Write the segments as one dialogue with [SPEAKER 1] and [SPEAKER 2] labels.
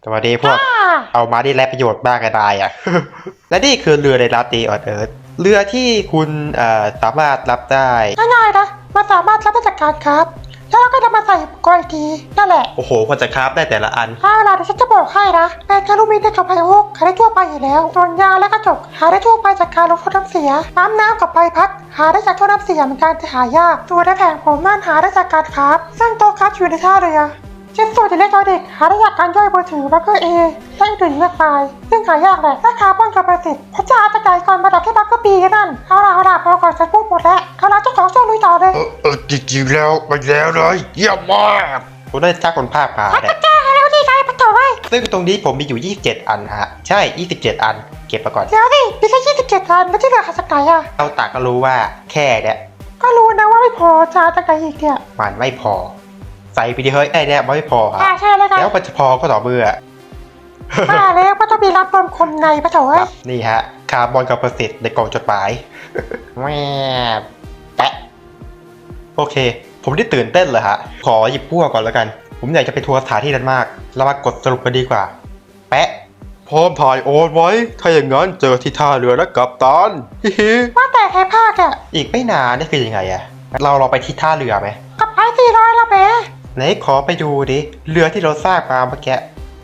[SPEAKER 1] สวัสดีพวกเอามาได้แลประโยชน์บ้างก็ได้อะ และนี่คือเรือในลาตีออนเอิร์ธเรือที่คุณสามารถรับได้
[SPEAKER 2] ง่ายๆนะมันสามารถรับราชการครับแล้วเราก็นำมาใส่กอยทีนั่นแหละ
[SPEAKER 1] โอ้โหควรจะคราฟได้แต่ละอัน
[SPEAKER 2] เอาล่ะเดี๋ยวฉันจะบอกให้นะแบนคารูมินได้กับไพโอกหาได้ทั่วไปอยู่แล้วส่วนยาและกระจกหาได้ทั่วไปจากการลงท่อน้ำเสียน้ำกับใบพัดหาได้จากท่อน้ำเสียเหมือนกันแต่หายากตัวในแผงผมนั่นหาได้จากการครับซึ่งโต๊ะครับอยู่ในท่าเรือชิ้นส่วนอิเล็กทรอนิกส์หาได้จากการย่อยมือถือบัคเกอร์เอและอื่นๆมากมายซึ่งหายากแหละถ้าคาร์บอนกับประสิทธิ์พระเจ้าจะไก่ก่อนมาดับแค่บัคเกอร์บีนั่นเอาล่ะพอก่อนฉันพูดหมดแล้วเอาล่ะเจ้าของช่วยลุยต่อเลย
[SPEAKER 3] จริงๆแล้วไปแล้วเลยเยี่ยมมาก
[SPEAKER 1] ผมได้ทักคนภาคมาเนี่ย
[SPEAKER 2] แก้ให้แล้วดีใจปะโถ่เว้ย
[SPEAKER 1] ซึ่งตรงนี้ผมมีอยู่27อันฮะใช่27อันเก็บมาก่อน
[SPEAKER 2] เดี๋ยวดิมีแค่27อันไม่ใช่เหลือขาดสักไหนอ่ะ
[SPEAKER 1] เราตากก็รู้ว่าแค่เนี่ย
[SPEAKER 2] ก็รู้นะว่าไม่พอจะเอาจากไหนอีกเนี่ย
[SPEAKER 1] มันไม่พอใส่ไปดิเฮ้ยไอ้เนี่ยไม่พอฮะ
[SPEAKER 2] ใช่แล้วกัน
[SPEAKER 1] แล้วมันจะพอก็ต่อเมื่อ
[SPEAKER 2] แล้วก็ต้องมีรับรวมคนในปะโถ่เว้ย
[SPEAKER 1] นี่ฮะคาร์บอนกับประสิทธิ์ในกล่องจดหมาย แม่แปะโอเค ผมได้ตื่นเต้นเลยฮะขอหยิบพวกก่อนแล้วกันผมอยากจะไปทัวร์สถานที่นั้นมากเรามากดสรุปกันดีกว่าแปะ
[SPEAKER 3] พร้อมถ่ายโอนไว้ถ้าอย่างนั้นเจอที่ท่าเรือนะกัปตันฮิฮิ
[SPEAKER 2] ว่าแต่ใครภาคอ่ะ
[SPEAKER 1] อีกไม่นานนี่คือยังไงอะเราไปที่ท่าเรือไหม
[SPEAKER 2] กับไอ้400ละแม่
[SPEAKER 1] ไหนขอไปดูดิเรือที่เราสร้างมาเมื่อกี้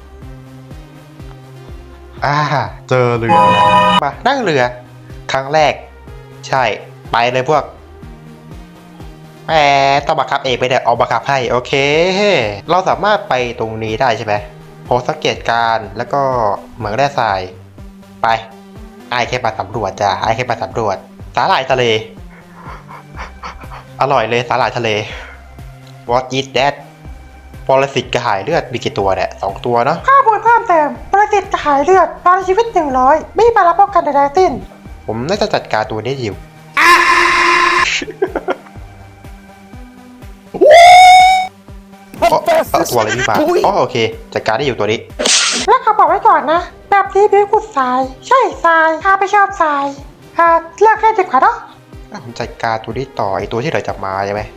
[SPEAKER 1] เจอเรือมานั่งเรือครั้งแรกใช่ไปเลยพวกแหมต้องบังคับเองไปเนี่ยเอาบังคับให้โอเคเราสามารถไปตรงนี้ได้ใช่ไหมโพสต์สังเกตการแล้วก็เหมืองแร่ทรายไปไอ้แค่มาสำรวจจ้ะไอ้แค่มาสำรวจสาหร่ายทะเลอร่อยเลยสาหร่ายทะเล What is that ปรสิตกระหายเลือดมีกี่ตัวเนี่ย2ตัวเนาะ
[SPEAKER 2] ข้อมูลเพิ่มเติมปรสิตกระหายเลือดตอนชีวิต100ไม่มีมารับป้องกันใดๆสิ้น
[SPEAKER 1] ผมน่าจะจัดการตัวนี้อยู่ตัวอะไรนี่มาโอเคจัดการได้อยู่ตัวนี้
[SPEAKER 2] แล้วเขาบอกไว้ก่อนนะแบบนี้พี่ขุดทรายใช่ทรายข้าไม่ชอบทรายเลิกเล่นดีกว่าเนาะ
[SPEAKER 1] ผมจัดการตัวนี้ต่อไอตัวที่เราจับมาใช่ไหม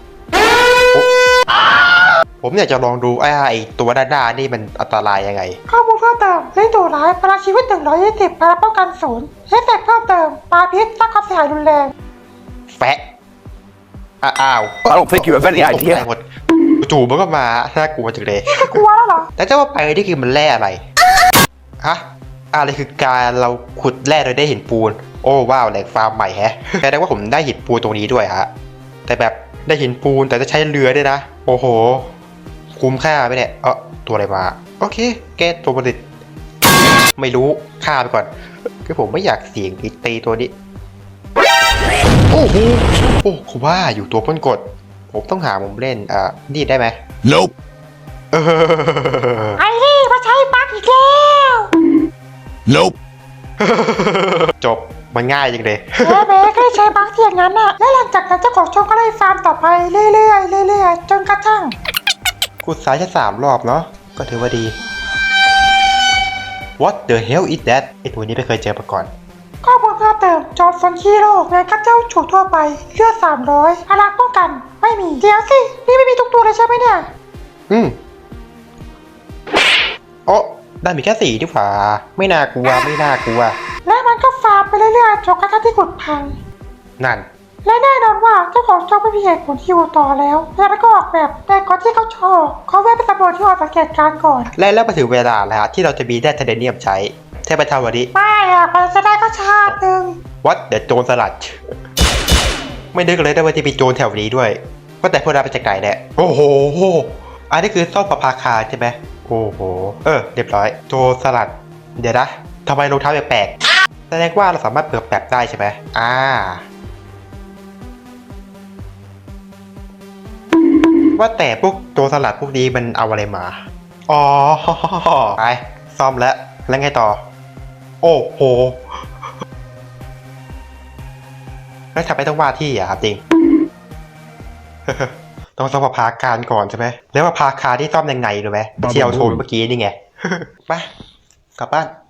[SPEAKER 1] ผมอยากจะลองดูไอตัวด้านหน้านี่มันอันตรายยังไง
[SPEAKER 2] ข้อมูลเพิ่มเติมเล่นตัวร้ายพลังชีวิต120พลังป้องกัน0เอฟเฟกต์เพิ่มเติมปาพิษสร้างความเสียหายรุนแรง
[SPEAKER 1] แฟะอ้าว
[SPEAKER 3] I don't think you have any idea
[SPEAKER 1] หมดจู่มันก็มาน่ากลัวจังเลย
[SPEAKER 2] กลัวแล้วเหรอ
[SPEAKER 1] แต่จะว่าไปนี่คือมันแร่อะไรฮะอะไรคือการเราขุดแร่โดยได้หินปูนโอ้ว้าวแหล่งฟาร์มใหม่แฮะแสดงว่าผมได้หินปูนตรงนี้ด้วยฮะแต่แบบได้หินปูนแต่จะใช้เรือด้วยนะโอ้โหคุ้มค่าไหมเนี่ยตัวอะไรมาโอเคแกตัวผลิตไม่รู้ฆ่าไปก่อนคือผมไม่อยากเสี่ยงตีตัวนี้โอ้โหโอ้คุณว่าอยู่ตัวพ้นกดผมต้องหามุมเล่นนี่ได้ไหม
[SPEAKER 3] Nope
[SPEAKER 2] ไอ้นี่มาใช้บั๊กอีกแล้ว
[SPEAKER 3] Nope
[SPEAKER 1] จบมันง่ายจริงเลย
[SPEAKER 2] แม่ก็ได้ใช้บั๊กที่อย่างนั้นน่ะและหลังจากนั้นเจ้าของช่องก็ได้ฟาร์มต่อไปเรื่อยๆจนกระทั่ง
[SPEAKER 1] ขุดซ้ายแค่3 รอบเนาะก็ถือว่าดี What the hell is that ไอตัวนี้ไม่เคยเจอมาก่อน
[SPEAKER 2] ข้อมูลเพิ่มเติมจอร์ฟอนคีโร่งานกัดเจ้าฉูทั่วไปเลือด300พลังป้องกันไม่มีเดี๋ยวสินี่ไม่มีทุกตัวเลยใช่ไหมเนี่ย
[SPEAKER 1] ได้มีแค่4ดีกว่าไม่น่ากลัว
[SPEAKER 2] และมันก็ฟาร์มไปเรื่อยๆจนกระทั่งที่ขุดพัง
[SPEAKER 1] นั่น
[SPEAKER 2] และแน่นอนว่าเจ้าของช่องไม่มีเหตุผลที่อยู่ต่อแล้วแล้วก็ออกแบบแต่ก่อนที่เขาชอบเขาแวะไปสำรวจที่หอสังเกตการณ์ก่อน
[SPEAKER 1] แล้วมาถึงเวลาแล้วที่เราจะมีแร่ไทเทเนียมใช้เทพเจ้าวันนี้
[SPEAKER 2] ไม่ไปจะได้ก็ชาติหนึ่ง
[SPEAKER 1] วัดเดี๋ยวโจรสลัดไม่นึกเลยได้ว่าจะมีโจรแถวนี้ด้วยก็แต่พวกเราไปจากไหนเนี่ยโอ้โหอันนี้คือซ่อมประภาคารใช่ไหมโอ้โหเรียบร้อยโจรสลัดเดี๋ยวนะทำไมรองเท้าแปลกๆแสดงว่าเราสามารถเปิดแบบได้ใช่ไหมว่าแต่พวกโจรสลัดพวกนี้มันเอาอะไรมาไปซ่อมแล้วไงต่อโอ้โหแล้วทำไมต้องว่าที่ครับจริง ต้องซ่อมประภาคารก่อนใช่ไหมแล้วประภาคารที่ซ่อมยังไงรู้ไหมที่เอาโชว์เมื่อกี้นี่ไงไปกลับบ้าน